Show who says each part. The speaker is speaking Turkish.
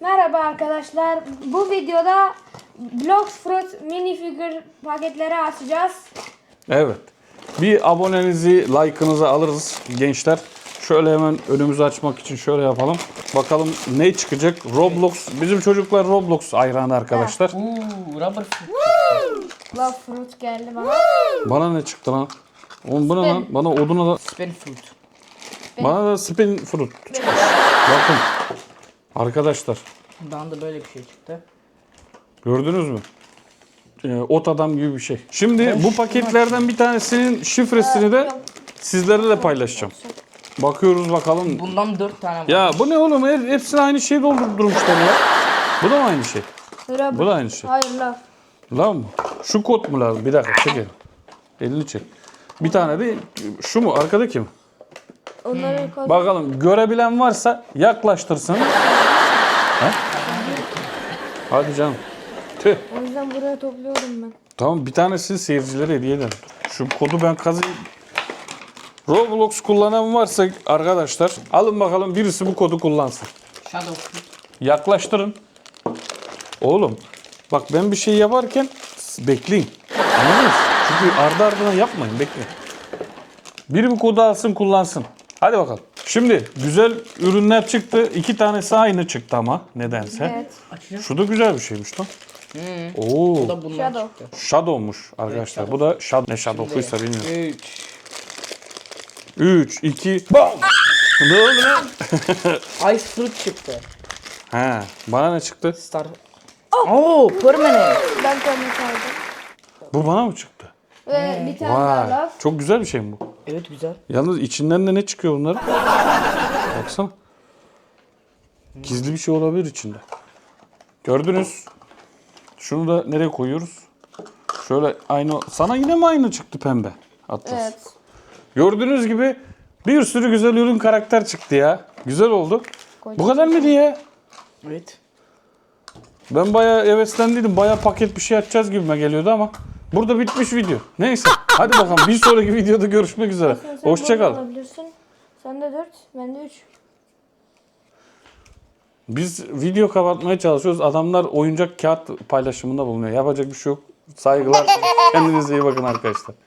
Speaker 1: Merhaba arkadaşlar. Bu videoda Blox Fruit minifigür paketleri açacağız.
Speaker 2: Evet. Bir abonenizi, like'ınızı alırız gençler. Şöyle hemen önümüzü açmak için şöyle yapalım. Bakalım ne çıkacak? Roblox. Bizim çocuklar Roblox hayranı arkadaşlar.
Speaker 3: Rubber fruit.
Speaker 1: Love Fruit geldi bana.
Speaker 2: Bana ne çıktı lan? Oğlum bu ne lan? Bana oduna da...
Speaker 3: Spin fruit.
Speaker 2: Bana da spin fruit çıkmış. Bakın. Arkadaşlar.
Speaker 3: Bana da böyle bir şey çıktı.
Speaker 2: Gördünüz mü? Ot adam gibi bir şey. Şimdi bu paketlerden bir tanesinin şifresini de sizlerle de paylaşacağım. Bakıyoruz bakalım.
Speaker 3: Bundan 4 tane var.
Speaker 2: Ya bu ne oğlum? Hepsini aynı şeyi doldurmuşlar ya. Bu da mı aynı şey?
Speaker 1: Rubber.
Speaker 2: Bu da aynı şey.
Speaker 1: Hayır Love.
Speaker 2: Lan mı? Şu kod mu lazım? Bir dakika çek elini. Elini çek. Bir tane de şu mu? Arkadaki mi?
Speaker 1: Onları koy.
Speaker 2: Bakalım görebilen varsa yaklaştırsın. He? Hadi canım. Tüh.
Speaker 1: O yüzden buraya topluyorum ben.
Speaker 2: Tamam bir tanesini seyircilere hediye ederim. Şu kodu ben kazıyım. Roblox kullanan varsa arkadaşlar alın bakalım birisi bu kodu kullansın.
Speaker 3: Shadow fruit.
Speaker 2: Yaklaştırın. Oğlum bak ben bir şey yaparken bekleyin. Anladınız? Çünkü ardı ardına yapmayın bekleyin. Biri bu kodu alsın kullansın. Hadi bakalım. Şimdi güzel ürünler çıktı. 2 tanesi aynı çıktı ama nedense.
Speaker 1: Evet.
Speaker 3: Açacağım.
Speaker 2: Şu da güzel bir şeymiş lan. Oo.
Speaker 3: Bu da bundan
Speaker 1: Shadow.
Speaker 3: çıktı.
Speaker 2: Shadow'muş arkadaşlar.
Speaker 3: Evet,
Speaker 2: Bu da ne Shadow'uysa bilmiyorum.
Speaker 3: 3.
Speaker 2: 3, 2, BAM! Ne oldu lan?
Speaker 3: Ice fruit çıktı.
Speaker 2: He, bana ne çıktı?
Speaker 3: Star. Oh, permanent.
Speaker 1: Ben koymak aldım.
Speaker 2: Bu bana mı çıktı?
Speaker 1: Ve bir tane daha
Speaker 2: Vay,
Speaker 1: Love.
Speaker 2: çok güzel bir şey mi bu?
Speaker 3: Evet güzel.
Speaker 2: Yalnız içinden de ne çıkıyor bunların? Baksana. Gizli bir şey olabilir içinde. Gördünüz. Şunu da nereye koyuyoruz? Şöyle aynı. Sana yine mi aynı çıktı pembe? Atlas.
Speaker 1: Evet.
Speaker 2: Gördüğünüz gibi bir sürü güzel ürün karakter çıktı ya. Güzel oldu. Bu kadar mıydı ya?
Speaker 3: Evet.
Speaker 2: Ben bayağı heveslendiydim. Bayağı paket bir şey açacağız gibime geliyordu ama burada bitmiş video. Neyse. Hadi bakalım bir sonraki videoda görüşmek üzere.
Speaker 1: Sen
Speaker 2: Hoşça kal.
Speaker 1: burada olabilirsin. Sen de 4, ben de 3.
Speaker 2: Biz video kapatmaya çalışıyoruz. Adamlar oyuncak kağıt paylaşımında bulunuyor. Yapacak bir şey yok. Saygılar. Kendinize iyi bakın arkadaşlar.